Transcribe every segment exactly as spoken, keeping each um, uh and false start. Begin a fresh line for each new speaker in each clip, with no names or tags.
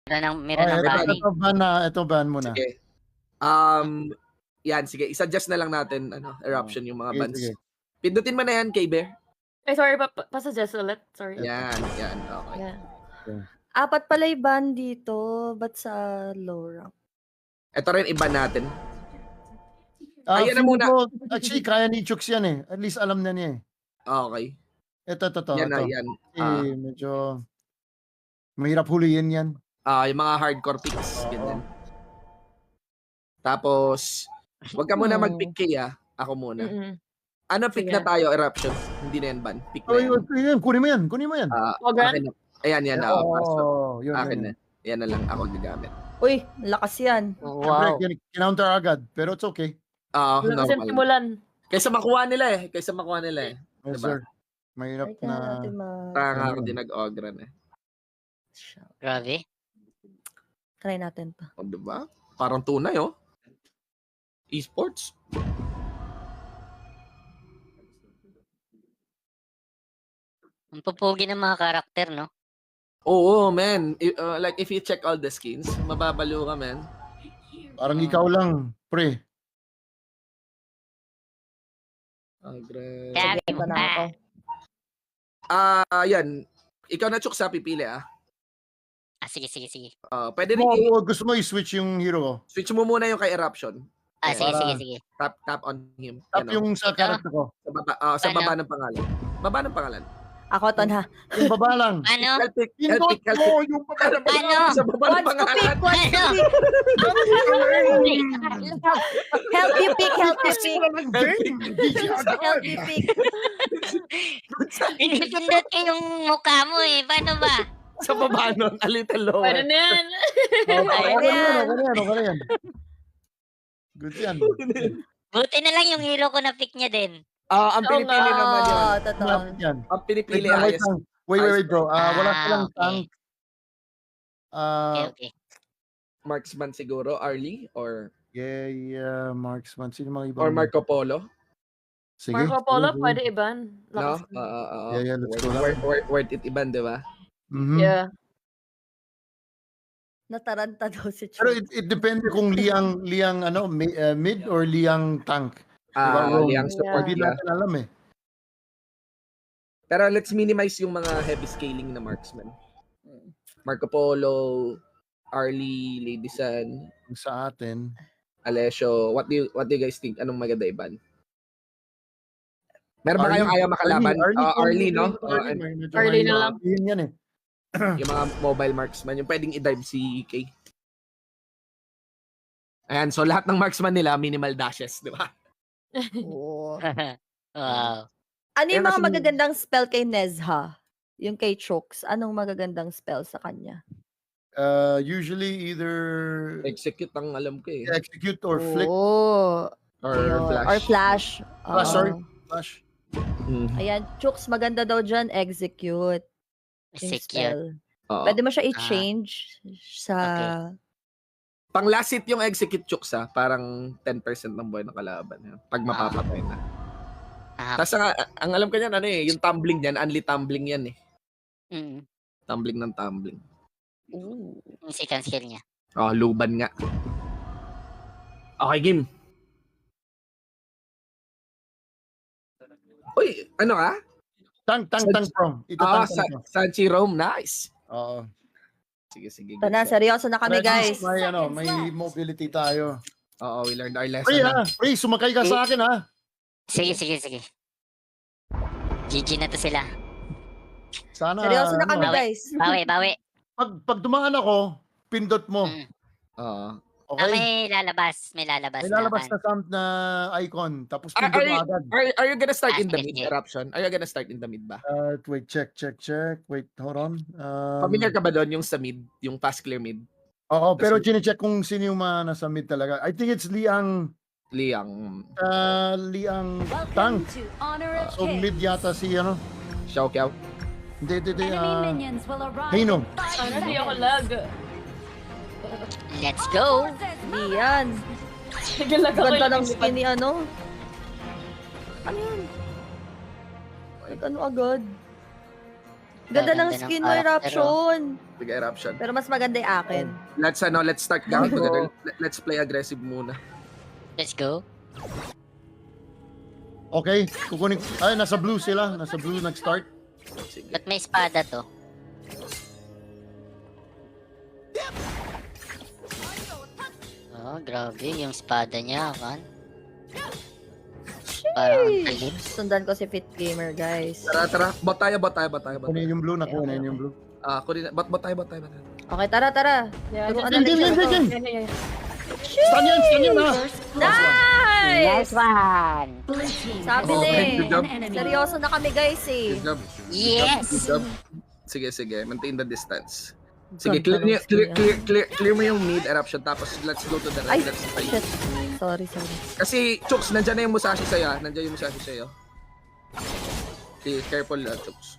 Meron ng meron
Oh,
ng
ito,
banning.
ito ban na, ito ban muna.
Sige. Um, yan, sige. I-suggest na lang natin, ano, eruption yung mga
Sige,
bans.
sige.
Pindutin mo na yan, K-Bear.
Ay, sorry, pa pa pa-suggest ulit. Sorry.
Yan, yan. Okay.
Yeah.
Apat pala yung ban dito. Ba't sa low rank?
Ito rin iba natin.
Ah,
Ayan na
feeling
muna.
ko, actually, kaya ni Chooks yan eh. At least alam na niya eh.
Okay.
Ito, ito, ito.
Yan na,
ito.
yan.
Eh,
Ah,
medyo mahirap huliin yan.
ah, yung mga hardcore picks.
Oo.
Ganyan. Tapos, wag ka muna
Hmm.
mag-pick kay ah. Ako muna.
Mm-mm.
Ano pick
Sige.
na tayo, eruption? Hindi na yan ban. Pick na
Oh,
yan.
yun, yun, kunin mo yan, kunin mo yan.
Ah,
Oh, Gran?
akin na. Ayan, yan. ah, pasok.
Oo, yun,
Akin
yun.
na. Yan na lang ako gagamit.
Uy, lakas yan.
Siyempre, kin- kinounter agad, pero it's okay.
Ah,
Wala kasi
normal.
simulan.
Kaysa makuha nila eh. Kaysa makuha nila eh.
Yes,
Diba?
sir. Mahirap
Ay, kaya
na...
natin ma-
Tanga ako
Ano?
din nag-ogran eh.
Grabe.
Try natin to.
O, diba? Parang tunay oh. Esports.
Ang pupugi ng mga karakter, no?
Oo, man. I- uh, like, if you check all the skins, mababalo ka, man.
Parang ikaw lang, pre.
Ogran.
Kaya,
Sige, ito na ako.
Ah, yan. Ikaw na, Chuk, sa pipili ah.
ah, sige, sige, sige.
Ah, pwede rin
Mo,
i-
gusto mo i-switch yung hero ko.
switch mo muna yung kay Eruption.
Ah,
Ayan.
sige,
Para-
sige, sige.
Tap, tap on him.
Tap
Yan, oh.
yung sa
Ito?
character ko.
Sa baba, ah, sa
Ano?
baba ng pangalan. Baba ng pangalan.
Ako to na.
Yung baba lang.
Ano?
Help pick, help
Pindot
pick, help
mo
pick.
yung baba ng
Ano?
Sa baba ng
Wants to
pangalan.
pick, wants to
Ano?
pick. Help you pick, help you pick. Help you pick.
Pinipindot ko yung mukha mo eh. Paano ba?
Sa baba nun, a little lower.
Pwede na yan.
Okay, okay na yan,
Ayan.
okay na yan, okay na yan. Good yan.
Buti na lang yung hero ko na pick niya din.
Ah, ang
Oo
pinipili
nga.
naman yun.
Oo, totoo.
Malapit yan.
Ang
Wait
pinipili
lang, wait
ayos.
lang. Wait, wait, wait, bro. Ah, wala
Ah,
silang
okay.
tank.
Okay,
Ah,
okay.
Marksman siguro, Arlie, or
yeah, yeah, marksman. Sino mga ibang?
or Marco Polo.
Sige.
Marco Polo,
sige, sige.
pwede iban.
No?
Lakas.
Ah, ah, ah,
Yeah, yeah, let's
worth,
go lang.
worth, worth, worth it iban, di ba?
Mhm.
Yeah.
Nataranta daw si
Pero
Chuk.
it, it depende kung liang liang ano mi- uh, mid or liang tank.
Ah,
Diba,
liang
Yeah.
support
Hindi
niya.
natin alam eh.
Pero let's minimize yung mga heavy scaling na marksman. Marco Polo, Arlie, Lady Sun,
Yung sa atin.
Alessio. What do you what do you guys think? Anong maganda iban? Meron ba
Arlie-
kayong ayaw makalaban?
Arlie,
Ah, Arlie, no?
Arlie,
Ah,
Arlie, medyo
Arlie na
may-
lang.
Yun yan eh.
yung mga mobile marksman, yung pwedeng i-dive si K. Ayan, so lahat ng marksman nila, minimal dashes, di ba?
Oo.
Wow.
Ano yung
Kaya
mga
kasi-
magagandang spell kay Nezha? Yung kay Chooks, anong magagandang spell sa kanya?
Uh, usually either
Execute ang alam ko eh.
execute or flick.
Oh,
Or
ayun.
flash.
Or flash.
Flash,
Oo.
sorry. Flash.
Mm.
Ayan, Chooks, maganda daw dyan, execute. Yung
Secure.
spell.
Oo.
Pwede mo siya i-change sa...
Pang last hit yung execute chooks ha, parang ten percent ng buhay ng kalaban. Yan. Pag mapapatay na.
Ah,
Tapos ang, ang alam ko niyan, ano eh, yung tumbling niyan, only tumbling yan eh.
mm,
Tumbling ng tumbling.
Ooh.
yung second skill niya.
Oh, luban nga. Okay, game. Uy, ano ka?
Tank, tank,
Sa-
tank from. Ito
Ah,
tank,
sa,
tank from.
Sanchi Rome, nice.
Oo.
Sige, sige.
Ito na, seryoso na kami,
Pero at least
guys.
May, ano, may mobility tayo.
Oo, we learned our lesson.
Pre,
na.
ha? Pre, sumakay ka sa akin, ha?
Sige, sige, sige. G G na to sila.
Sana,
Seryoso na
ano,
kami,
bawi.
guys.
Bawi, bawi.
Pag, pag dumaan ako, pindot mo.
Mm.
Oo.
Ah,
Okay?
may lalabas. May lalabas.
May lalabas
na.
na sound na icon. Tapos
Are,
pindot
are,
mo
you,
agad.
are, are you gonna start
Ah,
in the
sige,
mid
sige.
eruption? Are you gonna start in the mid ba?
Uh, wait, check, check, check. Wait, hold on. Um,
Familiar ka ba doon yung sa mid? Yung fast clear mid?
Oo, pero
Kasi-
chine-check kung sino yung mga nasa mid talaga. I think it's Liang,
Liang.
uh, Liang Tang. Uh, so mid yata si, ano?
Xiao Kiao.
Hindi, hindi, hindi.
Enemy
Uh,
minions will arrive.
Heino.
Sana di ako lag.
Let's go.
Diyan.
Sige, lag ako.
Ganda
yung
ng skin ni ano. Ano yun? Like, ano agad? Ganda
Ganda
ng
ng
skin mo,
character,
Eruption.
Sige, eruption.
Pero mas maganda yung akin.
Let's ano, let's start gaming together. Let- Let's play aggressive muna.
Let's go.
Okay, kukunin. Ay, nasa blue sila. Nasa blue nag-start.
Sige.
Ba't may espada to? Oh, grabe. Yung espada niya, kan? Parang ang talim.
Sundan ko si Fit Gamer, guys.
Tara, tara. Bot tayo, bot tayo, bot tayo, bot
Kunin
tayo.
yung blue, nakuha na yung blue.
Ah, kunin. Bot, bot tayo, bot tayo, bot tayo.
Okay, tara, tara.
Yeah,
Turuan
just-
na
Game, game,
siya.
game, game.
Yeah, yeah, yeah.
Stun yan, stun yan ha.
Nice!
one!
Sabi
Oh,
na
good job.
eh. Seryoso na kami, guys eh.
Good job.
Yes!
Good job. Sige, sige. Maintain the distance. Sige,
Ganda
clear,
ng
niyo- clear,
skill
clear, clear, clear mo yung mid eruption tapos let's go to the
Ay,
right. Let's fight.
shit. Sorry, sorry.
Kasi, Chooks, nandyan na yung Musashi sa'yo. ah. Nandyan yung Musashi sa'yo. Okay, careful, uh, Chooks.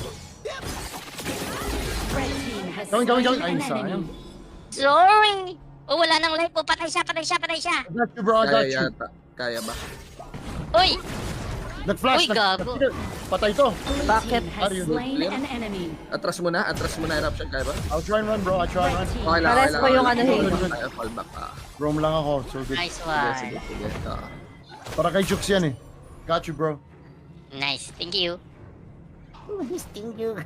Gawin, gawin, gawin. Ay, sayang.
Sorry! Oh, wala nang life po. Patay siya, patay siya, patay siya!
I got you, bro. I got
Kaya
you.
yata. Kaya ba?
Uy!
Nag-flash.
Uy, gago.
nag- Patay to.
Bakit?
Are you good?
Clear? Atras mo na, atras mo na eruption. Kaya ba?
I'll try and run, bro. I'll try and run.
Okay lang,
Pares
okay lang.
ko yung
okay
ano,
lang.
hey.
Kaya fall back ka.
Roam lang ako. So good.
Nice
Sige,
one.
sige, sige. Ah.
Para kay Jukes yan eh. Got you, bro.
Nice. Thank you. Thank you.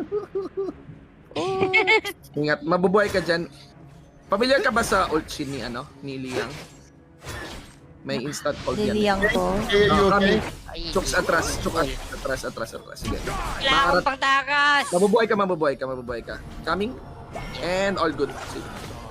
Ingat, mabubuhay ka dyan. Familiar ka ba sa ult shin ni ano, ni Liang? May instant ult yan.
Niliyang ko.
Hey, you
Ah,
okay?
Ay,
Chooks atras, chooks atras, atras, atras. Sige.
wala akong pangtakas!
Mabubuhay ka, mabubuhay ka, mabubuhay ka. Coming. And all good. Sige.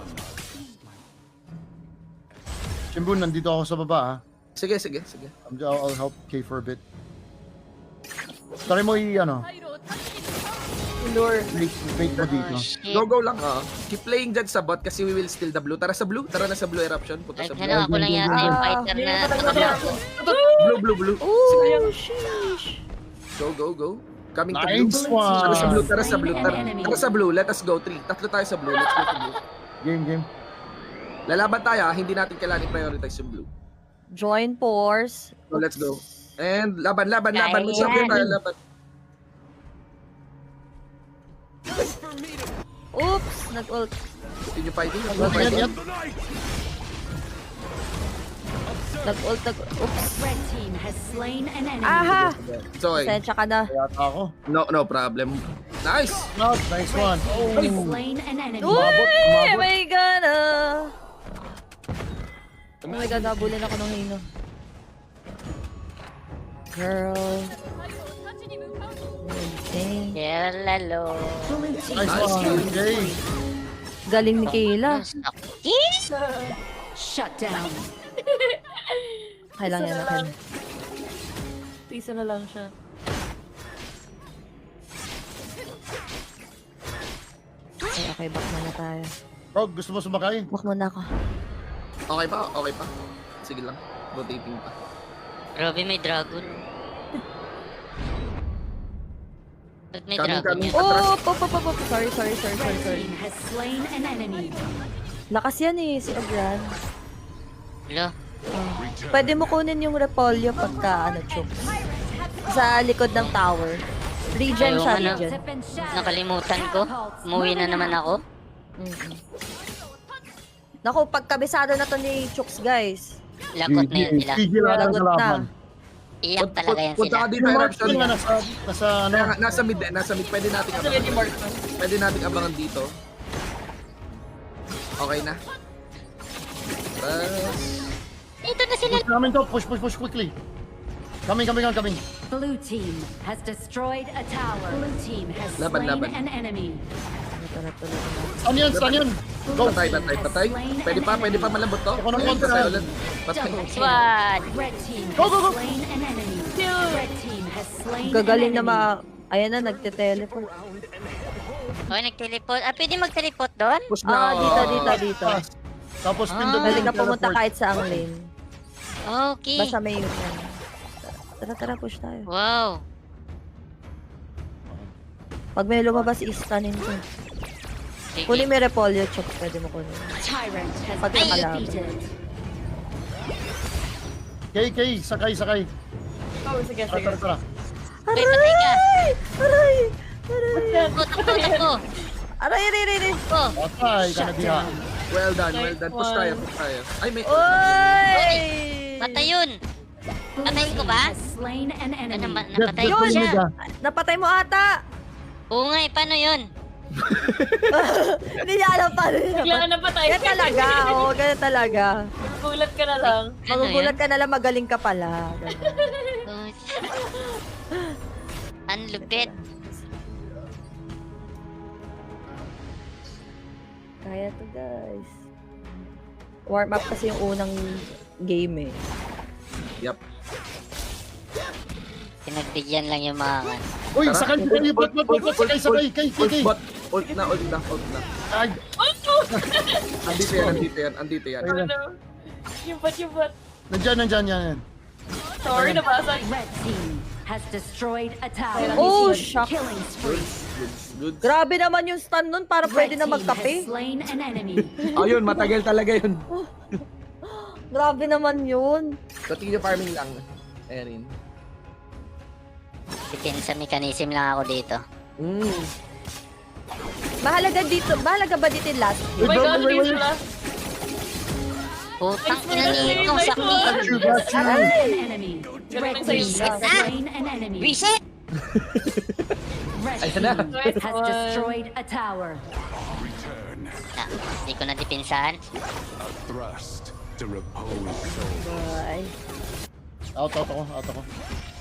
Shimbun, nandito ako sa baba ha.
Sige, sige, sige.
I'll, I'll help Kay for a bit. Try mo i, ano,
Lure.
bait, bait mo dito.
Oh, shit.
Go, go lang. Oh. Keep playing dyan sa bot kasi we will steal the blue. Tara sa blue. Tara na sa blue eruption. Punta
Ay,
sa blue.
ano, ako lang yata yung
Ah,
fighter na...
Blue, blue, blue.
Ooh, sheesh.
Go, go, go. Coming to
Nice
blue. Tara sa blue,
one.
tara sa blue. Tara, tara sa blue. Let us go. Three. Tatlo tayo sa blue. Let's go to blue.
Game, game.
Lalaban tayo. ah. Hindi natin kailangan i-prioritize yung blue.
Join force.
So, let's go. And laban, laban, laban.
Kaya
Sabi
yan.
tayo, laban.
Oops, nag-ult.
Continue fighting.
Yan,
Continue fighting.
yan.
Nag-ult, nag Oops.
Red team has slain an enemy.
Aha!
So, eh,
Sensya ka na.
Yata ako.
no, no problem. Nice.
Nice, nice one. Oh.
Slain an enemy.
Uy!
umabot.
My God! ah. Oh my God, nabulin ako ng hino. Girl. Amazing.
Yeah, lalo.
Blue team
Nice
Nice.
one. Okay.
Galing ni Kayla.
shut down.
Kailangan yan natin.
Isa na lang siya.
Okay, okay, back muna tayo.
Bro, gusto mo sumakay?
Back muna ako.
Okay pa? Okay pa? Sige lang. Rotating pa.
Grabe, may dragon. Ba't may
Coming,
dragon
coming.
yan?
Oh, pop, pop, pop, pop. Sorry, sorry, sorry, sorry,
Red
sorry.
team has slain an enemy.
Lakas yan eh, si Ogran.
Wala.
Oh. Pwede mo kunin yung repolyo pagka, ano, chooks. Sa likod ng tower. Regen
Ayaw
siya,
nga na.
regen.
Nakalimutan ko. Umuwi na naman ako.
Mm-mm. Naku, pagkabisado na to ni Chooks, guys.
Lagot na yan sila.
Gigi lang ang
Lagot
kalaban.
na.
Iyak talaga yan
Punta
sila.
ka dito,
Yung mark
eruption.
nga nasa, nasa ano.
Kaya nga, nasa mid eh. Nasa mid. Pwede natin
Sabi ni
abangan.
Mark.
Pwede natin abangan dito. Okay na. Tapos...
Dito na sila.
Push namin to. Push, push, push quickly. Coming, coming, coming, coming.
Blue team has destroyed a tower. Blue team has
Laban,
slain
laban.
an enemy.
Ito na tuloy na.
Stun yan, stun yan. Go.
Patay, patay, patay. Pwede pa, pwede pa malambot to.
Ako ng
Pwede
kontra.
patay ulit. Patay.
Double kill.
Squad.
Red team
Go, go, go.
has slain an enemy. Red team has slain
Gagaling
an
na
enemy.
ma... Ayan na, nagte-teleport.
Okay, nag-teleport. Ah, pwede mag-teleport doon?
Push na.
Ah, dito, dito, dito.
Tapos
Ah.
pindot
Pwede
yung
ka pumunta
teleport.
kahit sa ang lane.
Okay.
Basta may yun yan. Tara, tara, push tayo.
Wow.
Pag may lumabas, i-stunin ko.
Sige.
Kunin mo yung repolyo, chok. Pwede mo kunin.
Tyrant has
Pag
been
nakalaban.
defeated.
Kay, Kay, sakay, sakay.
Oh, sige,
Tara,
sige.
tara, tara.
Ay, patay ka.
Aray! Aray!
Takbo, takbo, takbo.
Aray, aray, aray, aray.
Oh,
Patay ka na diha.
Well done, well
Nice
done. Push
one.
tayo, push tayo. Ay, may...
Oy!
patay yun. Patayin ko ba?
Has slain an
Ano,
enemy.
ma- napatay
Yun!
ko siya.
Napatay mo ata.
Oo nga eh, paano yun?
Hindi niya alam pa rin.
Bigla na patay.
Ganyan talaga, oo, ganyan talaga.
Gulat ka na lang.
Ano
Magugulat
yun?
ka na lang, magaling ka pala. Ganyan.
Oh, ang lupit.
Kaya to guys. Warm up kasi yung unang game eh.
Yup.
Pinagbigyan lang yung mga kan.
Uy, sakay ko kayo. Ba't, ba't, ba't, ba't, sakay, sakay. Kay, kay, kay.
Ult, ult na, ult na, ult na.
Ay,
Andito yan, andito yan, andito yan.
Ano? Yung bat, yung bat.
nandyan, nandyan, yan.
Sorry, nabasag.
Red team has destroyed a tower.
Oh, shock.
Killing spree.
Goods, goods.
Grabe naman yung stun nun, para pwede
Red
na
team
magkape.
has slain an enemy.
Ayun, matagal talaga yun.
Grabe naman yun.
Continue farming lang, Erin.
Depensa mechanism lang ako dito.
Mm.
Mahalaga dito, mahalaga ba dito yung last
Oh my
Wait,
God,
wait, wait,
please
wait.
wala.
Putang ina
Nice,
nitong
nice,
sakit.
Got you, got you.
An enemy. Red
Galing
team
sa'yo.
has slain an enemy.
Reset!
Red
Ayan
team
na.
Nice
has
one.
destroyed a tower.
Ah, hindi ko na dipinsahan.
Thrust to repose soul.
Ay.
Out, out ako, out ako.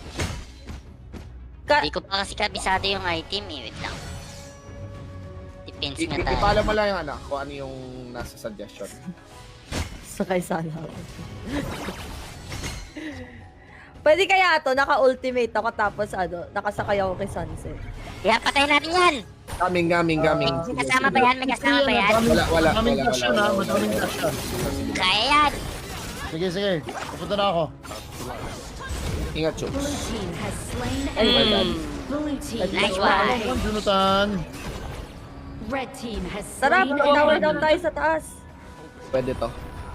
Ka
Hindi ko pa kasi kabisado yung item eh. Wait lang. Depends
I-
nga
i-
tayo.
Ipaalam mo lang yung ano, kung ano yung nasa suggestion.
sakay sana ako. Pwede kaya to, naka-ultimate ako tapos ano, nakasakay ako kay Sunset.
Kaya patayin natin yan!
Coming, coming, coming.
May kasama ba yan? May kasama ba yan?
Wala, wala,
Madaming
wala,
dash
wala,
yun, ha?
wala,
Madaming
wala.
dash yan.
Kaya yan!
Sige, sige. Pupunta na ako.
Ingat, Chooks.
Blue team has slain an
Ay, well
enemy.
done.
Blue team
Nice
destroyed.
one.
Junutan.
Red team has
Tara,
slain
tower
an
down
enemy.
tayo sa taas.
Pwede to.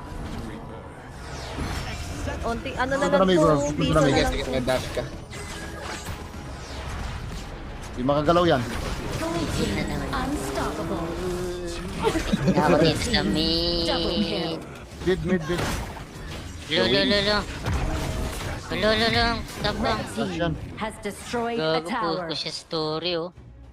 Unti, ano na
Punta
lang
na, may
to,
bro. Punta
piso
na,
na
may
Sige,
lang
sige,
to.
may dash ka.
Di makagalaw yan.
Blue team unstoppable.
Ako dito sa
Double
mid.
kill.
Mid, mid, mid.
Lulo, lulo. Lulo, lulo. Tabang.
Dash yan.
Has destroyed a
Gago
tower.
po siya story oh.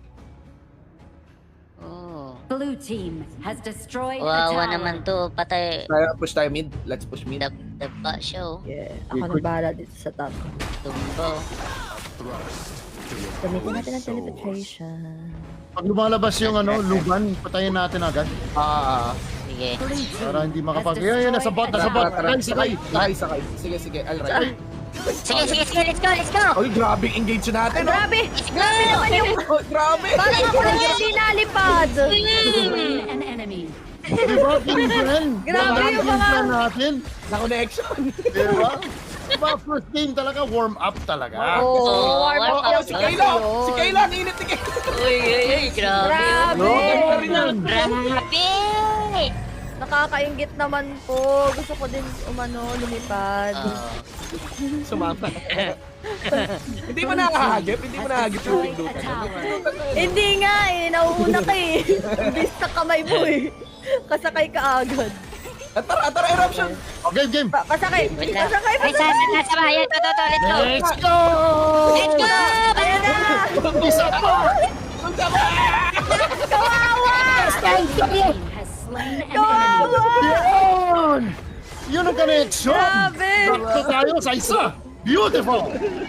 Oh.
Blue team has destroyed a
Wawa
tower.
naman to. Patay.
Tayo, push tayo mid. Let's push mid.
Dab, daba siya oh.
Yeah, ako na bahala dito sa top.
Tumba oh.
Gamitin natin ang teleportation.
Pag lumalabas yung ano, luban, patayin natin agad.
Ah,
Sige.
Blue team
Para hindi
has
makapag... Yan, yan, nasa bot, nasa bot.
tara,
Sakay, sakay.
sakay, sakay. Sige, sige, alright.
Sige, sige, sige. Let's go, let's go.
Oy, grabe engage natin. oh.
Grabe! Grabe naman yung...
Oh, grabe.
Parang ako lang yung dinalipad!
slain an enemy.
Di ba, game plan?
Grabe
Wala
yung
game
mga-
plan natin.
Na connection.
Di ba? Di ba, first game talaga, warm up talaga.
Oo,
Oh,
warm up
warm
lang
up.
Si
kasi
Kayla,
yun.
si Kayla, ang init ni Kayla.
Uy, uy, uy. Grabe.
Grabe!
No, ganda rin yan.
Grabe.
Nakakaingit naman po. Gusto ko din umano, lumipad.
Oh.
Sumama. Hindi mo nakahagip, hindi mo nakahagip yung
Destroyed a
pindutan.
tower.
Hindi nga eh, nauuna ka eh. Imbis na kamay mo eh. Kasakay ka agad.
At tara, tara, eruption.
Oh, game, game.
Pa pasakay!
Wait lang.
Pasakay!
Ay, sa, sa, sa bahay. Ito, ito, ito. Let's go.
Let's go!
Let's go.
Ayan na!
Isa pa!
Kawawa!
Team has slain an enemy.
Kawawa!
Yun! Yun ang connection!
Grabe!
Sakto tayo sa isa! Beautiful!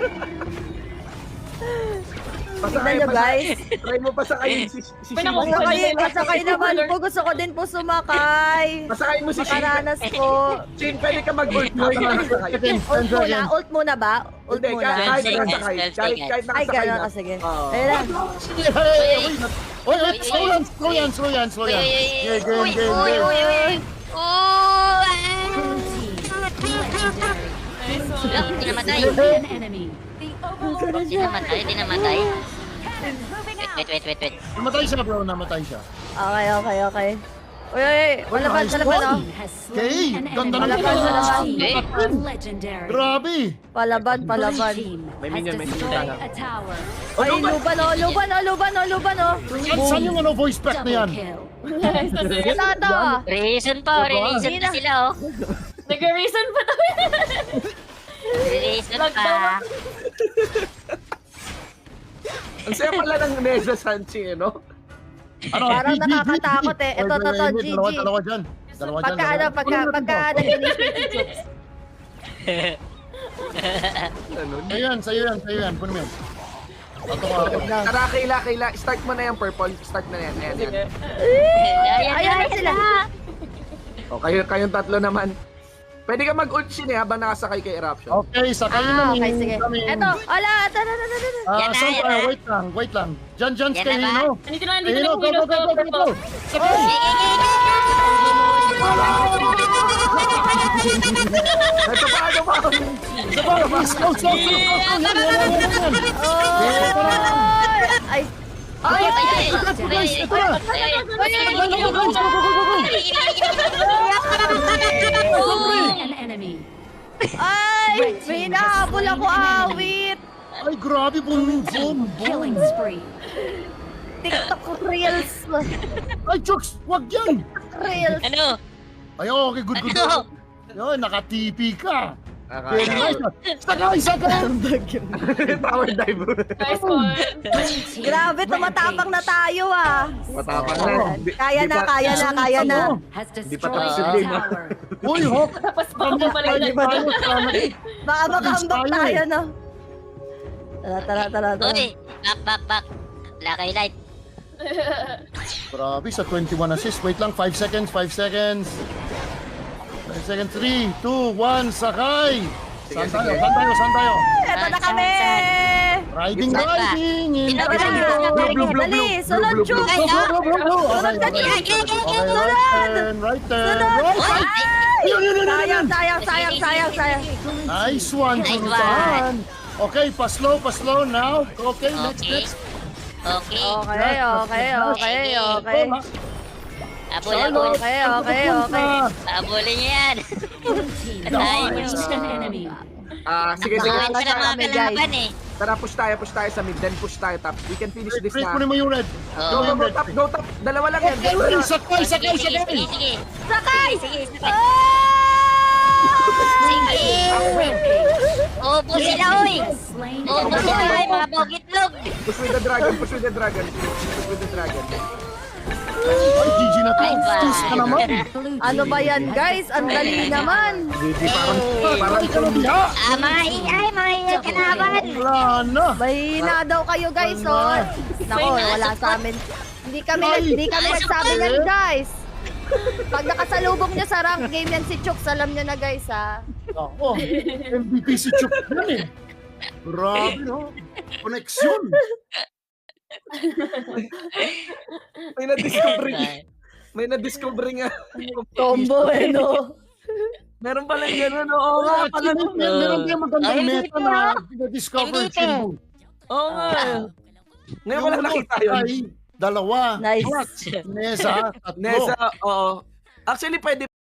Tignan nyo guys.
Try mo pa sakayin si, si
May
Shin.
naku-
Pasakay, pasakay naman po. Gusto ko din po sumakay.
Pasakayin mo si Shin.
Makaranas po.
Shin, pwede ka mag-ult. Pasakay.
Ult muna, ult muna ba? Ult
Hindi,
muna.
kahit
Seconds,
nakasakay.
twelve
Kahit,
seconds.
kahit
Ay,
nakasakay
gano'n.
na.
Ah, sige.
Oo.
Ayun lang.
Hey, hey, hey! Oy, oy, slow yan, slow yan, slow yan, slow
Uy,
yan.
uy, uy,
Game,
uy.
game,
Uy,
game,
uy,
game.
uy, uy. Oh,
Blue team legendary.
Nice one.
Lang, di namatay.
An enemy. The overlord
Di namatay, di namatay. Wait, wait, wait, wait, wait.
Namatay siya, bro, namatay siya.
Okay, okay, okay. Uy, uy, uy. Palaban,
nice
palaban,
one.
oh.
Has
Okay,
slain an
ganda
enemy.
ng
Palaban, palaban.
Team legendary.
Grabe.
Palaban,
Blue
palaban.
team
May
has
minion, may minion
destroyed
tayo.
a tower.
Ay, luban, oh, luban, oh, luban, oh, luban, oh.
Saan, saan yung ano, voice pack na
Double
yan?
kill.
Ito, ito, ah.
Reason pa, reason
Hindi
pa
na.
sila oh.
Nag-reason pa daw.
Reason
Lockdown.
pa.
Ang saya pala ng Neza Sanchi, eh, no?
Ano,
Parang
G G,
nakakatakot
G G.
eh. Ito,
Wait,
ito,
wait,
ito,
wait,
G G.
Dalawa, dalawa dyan. Dalawa dyan.
Pagka, ano,
dalawa.
pagka,
Kunin
pagka
natin to.
nag-initiate si Chooks.
Ano?
Sa'yo yan, sa'yo yan, sa'yo yan. Kunin mo yan. Ato ka, ato.
Tara, Kayla, Kayla. Start mo na yung purple. Start mo na yan. Ayan,
Sige.
yan.
Ayan,
Ayan na sila.
O, kayo, kayong tatlo naman. Pwede ka mag-ulchin eh, habang nakasakay kay Eruption.
Okay, sakay
Ah,
namin.
okay, sige.
kami.
Ito, ala, ito, ito, ito, ito.
Ah,
Yan na,
saan
yan
tayo?
na.
Wait lang, wait lang. Diyan, diyan,
Yan
kay
na ba?
Hino.
Nandito na,
Kay
nandito
Hino,
na
go,
yung
go, go, go, go, go. Sakay!
Ito pa, ano pa?
Isa pa, East Coast, South Coast, South Coast. Yan, yan, yan, yan, yan. Ito na.
Ay,
Ay, ay, ay,
Ito na, guys, ito na.
ay,
Go, go, go, go, go, go, go, go.
An enemy.
ay, may hinahabol ako, awit.
Ay, grabe, boom, boom,
Killing
boom.
spree.
TikTok Reels.
Ay, Chooks, wag yan.
Reels.
Ano?
Ay, okay, good, good.
Ano?
Yun, naka-T P ka. Very
Akala.
nice. Sakay, sakay.
Power dive.
Nice one.
Grabe, tumatapang na tayo ah.
Matapang na. Di-
Kaya
di
na,
pa-
kaya na, kaya na.
Has
Di pa
destroyed
tapos yung
a
game, ah.
tower.
Uy, Hawk.
Tapos baka
Kami
bumalik
tayo,
na.
tayo, salamat.
Baka makahambak
tayo
tayo,
eh.
no? Tara, tara, tara, tara.
Uy, back, back, back. Lakay light.
Grabe, sa twenty-one assists. Wait lang, five seconds, five seconds. five seconds, three, two, one, sakay. Saan
Sige,
tayo,
sige.
saan tayo, saan tayo?
Eto na kami!
Riding,
Saan ba?
riding. in
Sino ba?
tayo.
Blue, blue, blue,
Dali,
blue,
sunod,
blue, blue,
Chooks!
Ay,
Go, go,
ah.
go, go, go.
Sunod ka
Okay,
dyan!
okay. Okay,
Sunod!
right turn, right turn,
Sunod!
right turn.
Ay!
Yun, yun, yun, yun,
Sayang,
yun.
sayang, sayang, sayang, sayang.
Nice one,
Nice
Chooks. Okay, pa-slow, pa-slow now. Okay, next,
Okay.
next.
Okay.
Okay, okay, okay, okay.
Abol, abol.
Okay, okay, okay.
Abulin niyo yan. Patayin niyo.
Destroyed an enemy.
Ah, sige, sige.
Bawin ko
Push
na mga
tayo.
kalaban eh.
Tara, push tayo, push tayo sa mid, then push tayo top. We can finish this
Break
na.
mo naman yung red.
Go,
Oo.
go, go, top, go, top. Dalawa lang yan.
Okay,
dalawa lang.
sakay,
Sige,
sakay,
sige,
sakay.
sige, sige.
Sakay!
Sige, sige.
Ah!
Sige. Obo sila, oy.
Slain
Obo
an
sila,
enemy.
oy, mga bogitlog.
Push with the dragon, push with the dragon. Push with the dragon.
Ay, G G na to.
Ay, ba.
Tus ka naman.
Blue
Ano ba yan, guys? Ang dali naman.
Hindi, parang,
Parang
parang
ka na biha.
Ah, mga ingay, mga ingay kalaban.
Wala na.
Mahina daw kayo, guys, oh. Nako, wala sa amin. Hindi kami,
Ay.
hindi kami nagsabi yan, guys. Pag nakasalubong nyo sa rank game yan si Chooks, alam nyo na, guys, ha?
Ako, M V P si Chuk yan eh. Grabe, no? Koneksyon.
may na-discover May na-discover nga.
Combo, eh, no?
Meron pala gano'n, oo nga pala.
Actually, mer- meron din magandang
Ay,
meta na discover
M V P.
Chinbu.
Oo nga. Ngayon ko lang nakita yun.
Ay, dalawa.
Nice.
Nesa, tatlo.
Nesa, oo. Actually, pwede